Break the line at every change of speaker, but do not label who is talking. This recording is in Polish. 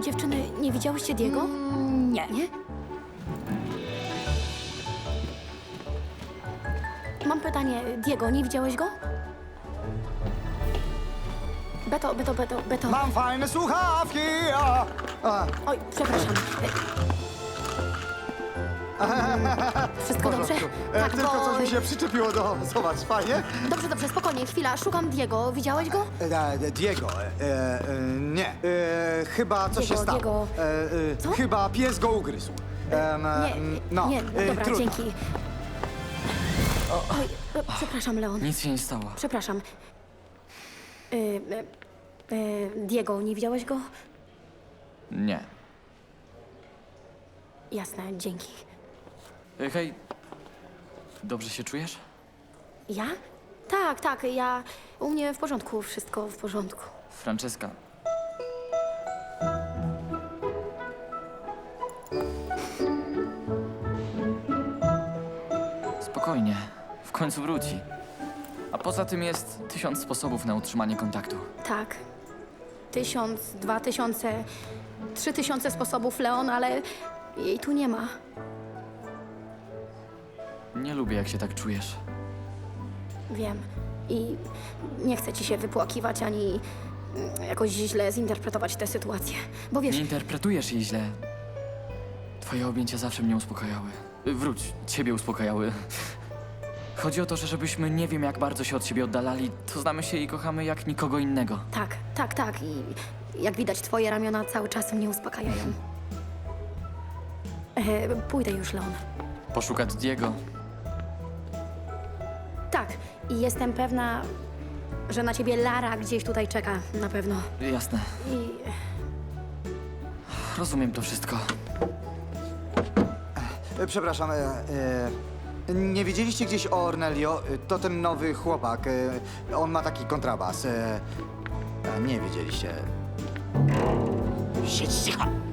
Dziewczyny, nie widziałyście Diego?
Nie.
Nie? Mam pytanie. Diego, nie widziałeś go? Beto.
Mam fajne słuchawki!
Oj, przepraszam. Wszystko dobrze? Tak,
Tylko
bo...
coś mi się przyczepiło do... Zobacz, fajnie?
Dobrze, spokojnie, chwila. Szukam Diego. Widziałeś go?
Diego, nie. Chyba coś się
Diego,
stało.
Diego. Co?
Chyba pies go ugryzł.
Nie, dobra,
trudno.
dzięki. Oj, przepraszam, Leon.
Nic się nie stało.
Przepraszam. Diego, nie widziałeś go?
Nie.
Jasne, dzięki.
Hej, dobrze się czujesz?
Ja? Tak, ja... U mnie w porządku, wszystko w porządku.
Franceska. Spokojnie, w końcu wróci. A poza tym jest 1000 sposobów na utrzymanie kontaktu.
Tak. 1000, 2000, 3000 sposobów, Leon, ale jej tu nie ma.
Nie lubię, jak się tak czujesz.
Wiem. I nie chcę ci się wypłakiwać ani jakoś źle zinterpretować tę sytuację. Bo wiesz,
Nie interpretujesz jej źle. Twoje objęcia zawsze mnie uspokajały. Wróć, ciebie uspokajały. Chodzi o to, że żebyśmy nie wiem jak bardzo się od siebie oddalali, to znamy się i kochamy jak nikogo innego.
tak. I jak widać, twoje ramiona cały czas mnie uspokajają. Pójdę już, Leon.
Poszukać Diego.
Tak. I jestem pewna, że na ciebie Lara gdzieś tutaj czeka. Na pewno.
Jasne.
I
Rozumiem to wszystko.
Przepraszam, nie widzieliście gdzieś Ornelio? To ten nowy chłopak. On ma taki kontrabas. Nie widzieliście.
Siedź cicho.